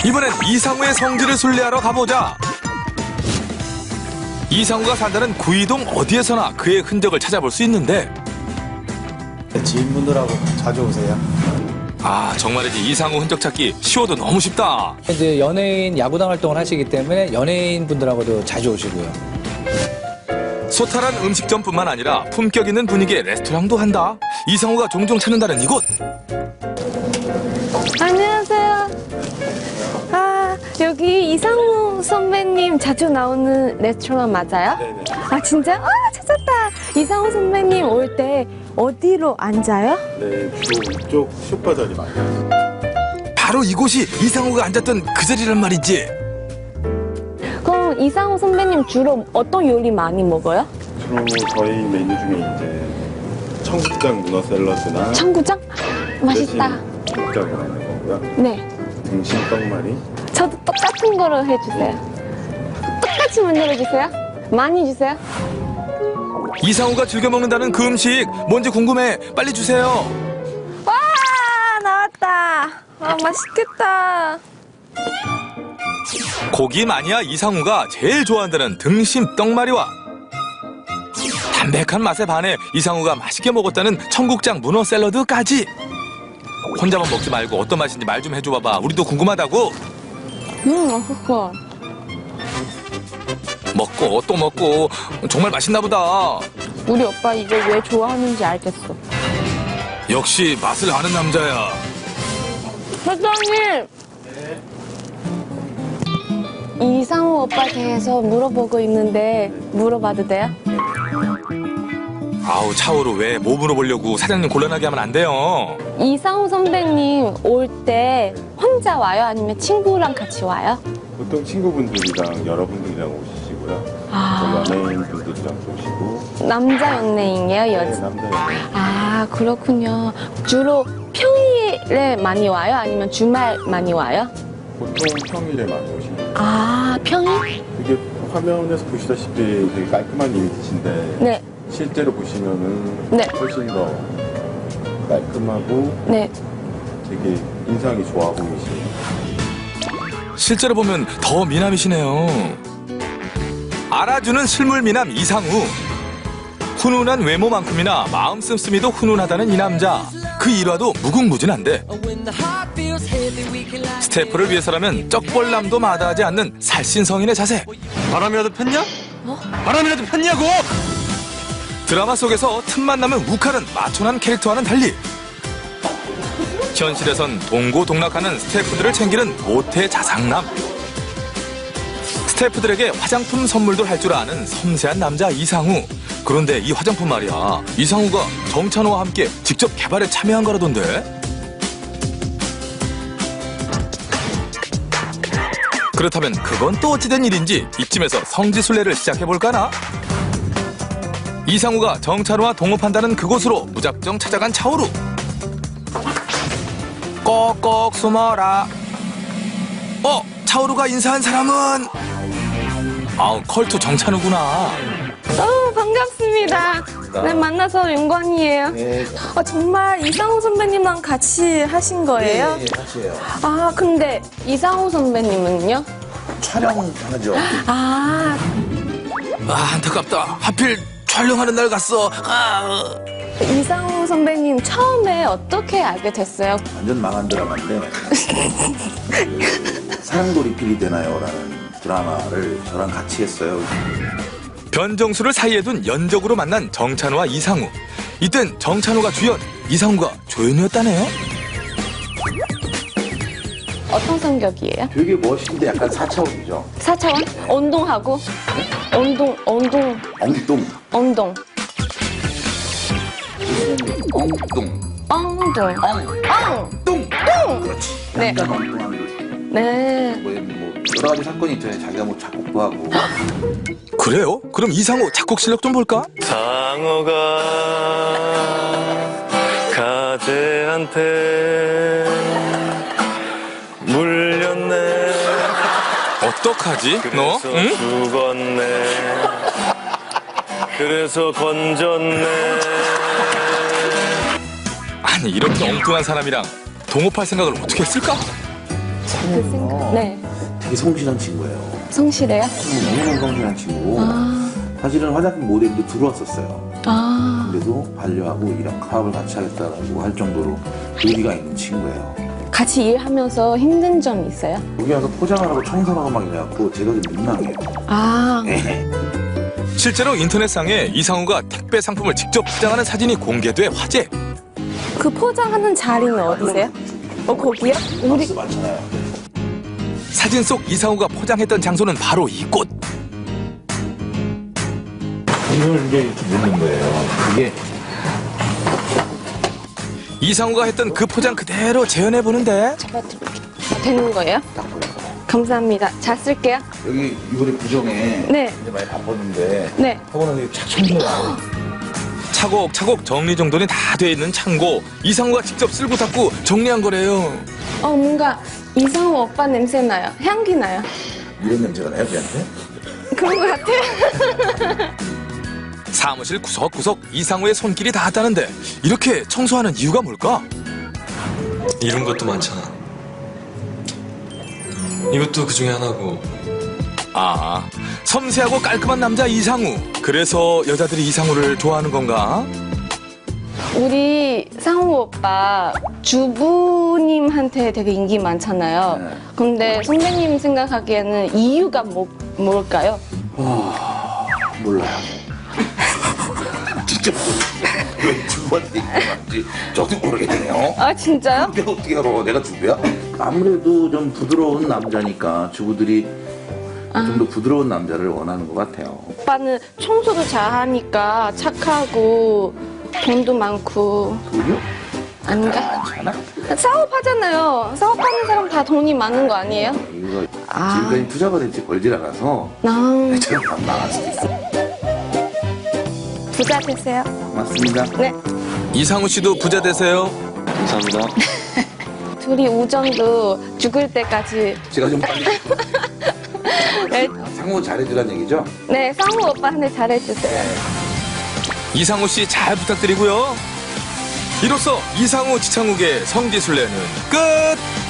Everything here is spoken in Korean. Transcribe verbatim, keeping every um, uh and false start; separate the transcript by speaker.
Speaker 1: 이번엔 이상우의 성지를 순례하러 가보자. 이상우가 산다는 구이동 어디에서나 그의 흔적을 찾아볼 수 있는데
Speaker 2: 지인분들하고 자주 오세요.
Speaker 1: 아 정말이지 이상우 흔적 찾기 쉬워도 너무 쉽다.
Speaker 3: 이제 연예인 야구단 활동을 하시기 때문에 연예인 분들하고도 자주 오시고요.
Speaker 1: 소탈한 음식점뿐만 아니라 품격 있는 분위기의 레스토랑도 한다. 이상우가 종종 찾는다는 이곳.
Speaker 4: 안녕하세요. 아, 여기 이상우 선배님 자주 나오는 레스토랑 맞아요?
Speaker 2: 네네.
Speaker 4: 아, 진짜? 아, 찾았다. 이상우 선배님 올 때 어디로 앉아요?
Speaker 5: 네, 주로 이쪽 쇼파 자리 많이 하세요.
Speaker 1: 바로 이곳이 이상우가 앉았던 그 자리란 말이지.
Speaker 4: 그럼 이상우 선배님 주로 어떤 요리 많이 먹어요?
Speaker 5: 주로 저희 메뉴 중에 이제 청국장 문어 샐러드나
Speaker 4: 청국장? 맛있다.
Speaker 5: 청국장이 있는 거고요.
Speaker 4: 네.
Speaker 5: 등심 떡말이.
Speaker 4: 저도 똑같은 거로 해주세요. 똑같이 만들어주세요. 많이 주세요.
Speaker 1: 이상우가 즐겨 먹는다는 그 음식 뭔지 궁금해. 빨리 주세요.
Speaker 4: 와, 나왔다. 아, 맛있겠다.
Speaker 1: 고기 마니아 이상우가 제일 좋아한다는 등심 떡말이와 담백한 맛에 반해 이상우가 맛있게 먹었다는 청국장 문어 샐러드까지. 혼자만 먹지 말고 어떤 맛인지 말 좀 해줘봐봐. 우리도 궁금하다고.
Speaker 4: 음, 맛있어.
Speaker 1: 먹고 또 먹고 정말 맛있나 보다.
Speaker 4: 우리 오빠 이거 왜 좋아하는지 알겠어.
Speaker 1: 역시 맛을 아는 남자야.
Speaker 4: 회장님! 이상우 오빠에 대해서 물어보고 있는데 물어봐도 돼요?
Speaker 1: 아우 차오로 왜 뭐 물어보려고. 사장님 곤란하게 하면 안 돼요.
Speaker 4: 이상우 선배님 올 때 혼자 와요? 아니면 친구랑 같이 와요?
Speaker 5: 보통 친구분들이랑 여러분들이랑 오시고요.
Speaker 4: 아.
Speaker 5: 또 연예인분들이랑 오시고.
Speaker 4: 남자 연예인이에요?
Speaker 5: 네,
Speaker 4: 여자?
Speaker 5: 남자 연예인.
Speaker 4: 아, 그렇군요. 주로 평일에 많이 와요? 아니면 주말 많이 와요?
Speaker 5: 보통 평일에 많이 오시고.
Speaker 4: 아, 평일?
Speaker 5: 이게 화면에서 보시다시피 되게 깔끔한 이미지인데
Speaker 4: 네,
Speaker 5: 실제로 보시면은
Speaker 4: 네.
Speaker 5: 훨씬 더 깔끔하고
Speaker 4: 네.
Speaker 5: 되게 인상이 좋아 보이시고.
Speaker 1: 실제로 보면 더 미남이시네요. 알아주는 실물 미남 이상우. 훈훈한 외모만큼이나 마음 씀씀이도 훈훈하다는 이 남자. 그 일화도 무궁무진한데 스태프를 위해서라면 쩍벌남도 마다하지 않는 살신성인의 자세.
Speaker 2: 바람이라도 폈냐?
Speaker 4: 어?
Speaker 2: 바람이라도 폈냐고!
Speaker 1: 드라마 속에서 틈만 나면 욱하는 마초난 캐릭터와는 달리 현실에선 동고동락하는 스태프들을 챙기는 모태 자상남. 스태프들에게 화장품 선물도 할 줄 아는 섬세한 남자 이상우. 그런데 이 화장품 말이야, 이상우가 정찬호와 함께 직접 개발에 참여한 거라던데. 그렇다면 그건 또 어찌된 일인지 이쯤에서 성지순례를 시작해볼까나? 이상우가 정찬호와 동업한다는 그곳으로 무작정 찾아간 차오루. 꼭꼭 숨어라. 어? 차오루가 인사한 사람은? 아우, 컬투 정찬우구나.
Speaker 4: 어, 반갑습니다. 네, 만나서 영광이에요.
Speaker 2: 네.
Speaker 4: 아, 정말 이상우 선배님랑 같이 하신 거예요?
Speaker 2: 예, 같이 해요.
Speaker 4: 아, 근데 이상우 선배님은요?
Speaker 2: 촬영하죠.
Speaker 4: 아,
Speaker 1: 아, 안타깝다. 하필 촬영하는 날 갔어. 아.
Speaker 4: 이상우 선배님 처음에 어떻게 알게 됐어요?
Speaker 6: 완전 망한 드라마인데 사랑도 리필이 되나요? 라는 드라마를 저랑 같이 했어요.
Speaker 1: 변정수를 사이에 둔 연적으로 만난 정찬호와 이상우. 이땐 정찬호가 주연, 이상우가 조연이었다네요.
Speaker 4: 어떤 성격이에요?
Speaker 6: 되게 멋있는데 약간 사차원이죠.
Speaker 4: 사차원? 운동하고? 운동, 운동,
Speaker 6: 엉뚱.
Speaker 4: 운동.
Speaker 6: 엉뚱.
Speaker 4: 엉동. 엉!
Speaker 6: 뚱!
Speaker 4: 뚱!
Speaker 6: 그렇지.
Speaker 4: 네.
Speaker 6: 약간 엉뚱한 거지.
Speaker 4: 네.
Speaker 6: 뭐, 뭐 여러 가지 사건이 있잖아요. 자기가 뭐 작곡도 하고.
Speaker 1: 그래요? 그럼 이상우 작곡 실력 좀 볼까?
Speaker 7: 상어가 가재한테 물렸네.
Speaker 1: 어떡하지? 너?
Speaker 7: 그래서
Speaker 1: 응?
Speaker 7: 죽었네. 그래서 건졌네.
Speaker 1: 아니 이렇게 엉뚱한 사람이랑 동업할 생각을 어떻게 했을까?
Speaker 4: 그 생각. 네.
Speaker 6: 되게 성실한 친구예요.
Speaker 4: 성실해요?
Speaker 6: 너무 성실한 친구고
Speaker 4: 아.
Speaker 6: 사실은 화장품 모델도 들어왔었어요.
Speaker 4: 아.
Speaker 6: 그래도 반려하고 이런 파업을 같이 하겠다라고 할 정도로 의리가 있는 친구예요.
Speaker 4: 같이 일하면서 힘든 점이 있어요?
Speaker 6: 여기 와서 포장을 하고 청소를 하고 막 이래갖고 제가 좀 민망해요.
Speaker 4: 아.
Speaker 1: 실제로 인터넷상에 이상우가 택배 상품을 직접 포장하는 사진이 공개돼 화제.
Speaker 4: 그 포장하는 자리는 어디세요? 어, 거기요? 우리
Speaker 6: 박스 많잖아요.
Speaker 1: 사진 속 이상우가 포장했던 장소는 바로 이곳.
Speaker 6: 이걸 이제 이렇게 넣는 거예요. 이게
Speaker 1: 이상우가 했던 그 포장 그대로 재현해 보는데
Speaker 4: 잡아드릴게요. 되는 거예요?
Speaker 6: 딱 보여요.
Speaker 4: 감사합니다. 잘 쓸게요.
Speaker 6: 여기 이번에 구정에
Speaker 4: 네.
Speaker 6: 이제 많이 바빴는데
Speaker 4: 네.
Speaker 6: 하고 나서 착 청소해요.
Speaker 1: 차곡차곡 정리정돈이 다 돼 있는 창고. 이상우가 직접 쓸고 닦고 정리한 거래요.
Speaker 4: 어, 뭔가 이상우 오빠 냄새 나요. 향기 나요.
Speaker 6: 이런 냄새가 나요, 걔한테?
Speaker 4: 그런 것 같아요.
Speaker 1: 사무실 구석구석 이상우의 손길이 닿았다는데 이렇게 청소하는 이유가 뭘까?
Speaker 8: 이런 것도 많잖아. 이것도 그 중에 하나고.
Speaker 1: 아, 섬세하고 깔끔한 남자 이상우. 그래서 여자들이 이상우를 좋아하는 건가?
Speaker 4: 우리 상우 오빠 주부님한테 되게 인기 많잖아요.
Speaker 6: 네.
Speaker 4: 근데 선배님 생각하기에는 이유가 뭐, 뭘까요?
Speaker 6: 몰라요. 진짜 모르겠어요. 왜 주부한테 인기가 저도 모르겠네요.
Speaker 4: 아, 진짜요?
Speaker 6: 내가 어떻게 알아? 내가 주부야? 아무래도 좀 부드러운 남자니까 주부들이 좀 더 부드러운 남자를 원하는 것 같아요.
Speaker 4: 오빠는 청소도 잘하니까 착하고 돈도 많고
Speaker 6: 돈이요?
Speaker 4: 아닌가?
Speaker 6: 괜찮아?
Speaker 4: 사업하잖아요. 사업하는 사람 다 돈이 많은 거 아니에요?
Speaker 6: 이거
Speaker 4: 아.
Speaker 6: 지금까지 투자가 될지 벌질 않아서
Speaker 4: 나
Speaker 6: 저는 밥 나갈 수도 있어요.
Speaker 4: 부자 되세요.
Speaker 6: 맞습니다.
Speaker 4: 네.
Speaker 1: 이상우 씨도 부자 되세요.
Speaker 8: 감사합니다.
Speaker 4: 둘이 우정도 죽을 때까지.
Speaker 6: 제가 좀 빨리
Speaker 4: 네,
Speaker 6: 상호 잘해주란 얘기죠?
Speaker 4: 네, 상우 오빠한테 잘해주세요.
Speaker 1: 이상우 씨 잘 부탁드리고요. 이로써 이상우 지창욱의 성지순례는 끝!